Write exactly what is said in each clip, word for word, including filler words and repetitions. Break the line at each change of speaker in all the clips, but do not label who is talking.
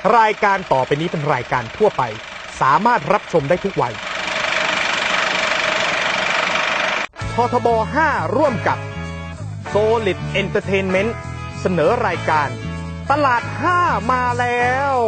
รายการต่อไปนี้เป็นรายการทั่วไปสามารถรับชมได้ทุกวัยททบ ห้า ร่วมกับ Solid Entertainment เสนอรายการตลาดห้ามาแล้ว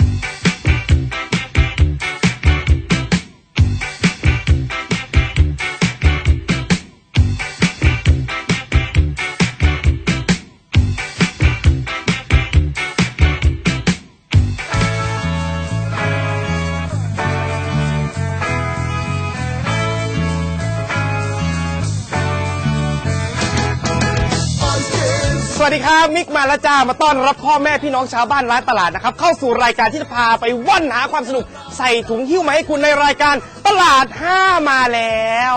สวัสดีครับมิกมาแล้วจ้ามาต้อนรับพ่อแม่พี่น้องชาวบ้านร้านตลาดนะครับเข้าสู่รายการที่จะพาไปว่อนหาความสนุกใส่ถุงหิ้วมาให้คุณในรายการตลาดห้ามาแล้ว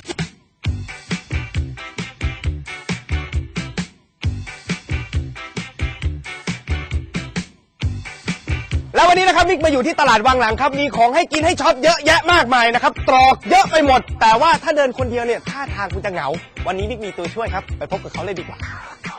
แล้ววันนี้นะครับมิกมาอยู่ที่ตลาดวังหลังครับมีของให้กินให้ช็อปเยอะแยะมากมายนะครับตรอกเยอะไปหมดแต่ว่าถ้าเดินคนเดียวเนี่ยท่าทางคุณจะเหงาวันนี้มิกมีตัวช่วยครับไปพบกับเขาเลยดีกว่า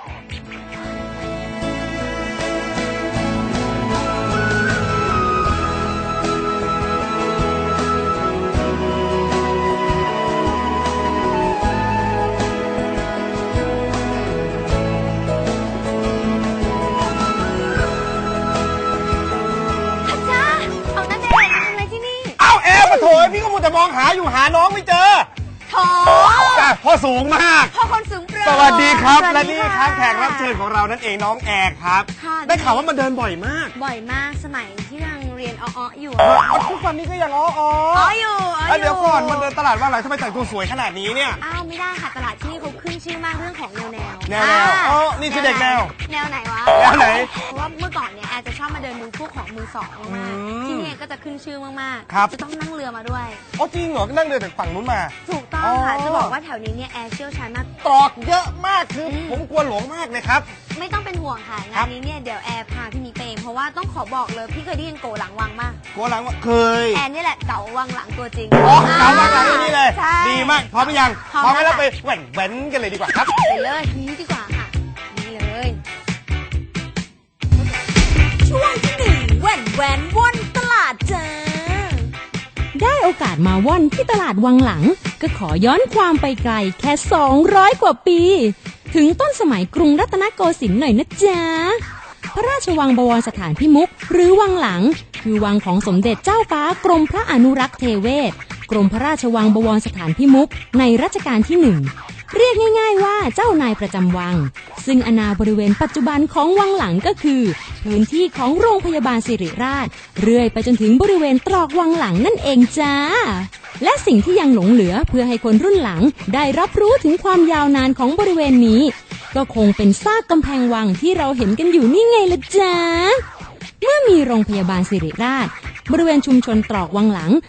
โถ่พี่ก็มัวแต่มองหาอยู่หาน้องไม่เจอ
โถ่
จ้ะพ่อสูงมาก
พ่อคนสูงโปร่ง
สวัสดีครับและนี่ครับแขกรับเชิญของเรานั่นเองน้องแอร์ครับได้ข่าวว่ามาเดินบ่อยมาก
บ่อยมากสมัยที่ยังเรียนอ้อๆอยู่
ทุกวันนี้ก็ยังอ้อ
อ้ออยู่
อ้ออยู่เดี๋ยวก่อนมาเดินตลาดว่าอะไรทำไมแต่งตัวสวยขนาดนี้เนี่ย
อ้าวไม่ได้ค่ะตลาดที่นี่เขาขึ้นชื่อมากเรื่องของแนวแนว
แนวแนวอ๋อนี่คือเด็กแนว
แนวไหนวะ
แนวไหน
เพราะว่าเมื่อก่อนเนี่ยแอร์จะชอบมาเดินดูพวกของมือสองมากที่นี่ก็จะขึ้นชื่อมากๆจะต้องนั่งเรือมาด้วย
อ๋อจริงเหรอนั่งเรือจากฝั่งนู้นมา
ถูกต้องค่ะจะบอกว่าแถวนี้เนี่ยแอร์เชี่ยวชาญมาก
ตรอกเยอะมากคือผมกลัวหลงมากเลยครับ
ไม่ต้องเป็นห่วงค่ะงานนี้เนี่ยเดี๋ยวแอร์พาพี่มิกไปเองเพราะว่าต้องขอบอกเลยพี่เคยได้ยินโกหลังวังมาก
โกหลังเคย
แอร์นี่แหละเก๋าวังหลังตัวจริง
อ๋อเก๋าวังหลังนี่เลยดีมากพร้อมหรือยังพร้อมแล้วไปแหว่นแหวนกันเลยดีกว่าครับ
ไปเลยนี้ดีกว่าค่ะนี่เลย
ช่วงที่หนึ่งแหว่นแหวนว่อนตลาดจ้าได้โอกาสมาว่อนที่ตลาดวังหลังก็ขอย้อนความไปไกลแค่สองร้อยกว่าปีถึงต้นสมัยกรุงรัตนโกสินทร์หน่อยนะจ๊ะพระราชวังบวรสถานพิมุขหรือวังหลังคือวังของสมเด็จเจ้าฟ้ากรมพระอนุรักษ์เทเวศกรมพระราชวังบวรสถานพิมุขในรัชกาลที่หนึ่งเรียกง่ายๆว่าเจ้านายประจำวังซึ่งอาณาบริเวณปัจจุบันของวังหลังก็คือพื้นที่ของโรงพยาบาลสิริราชเรื่อยไปจนถึงบริเวณตรอกวังหลังนั่นเองจ้าและสิ่งที่ยังหลงเหลือเพื่อให้คนรุ่นหลังได้รับรู้ถึงความยาวนานของบริเวณนี้ก็คงเป็นซากกำแพงวังที่เราเห็นกันอยู่นี่ไงล่ะจ๊ะเมื่อมีโรงพยาบาลสิริราชบริเวณชุมชนตรอกวังหลัง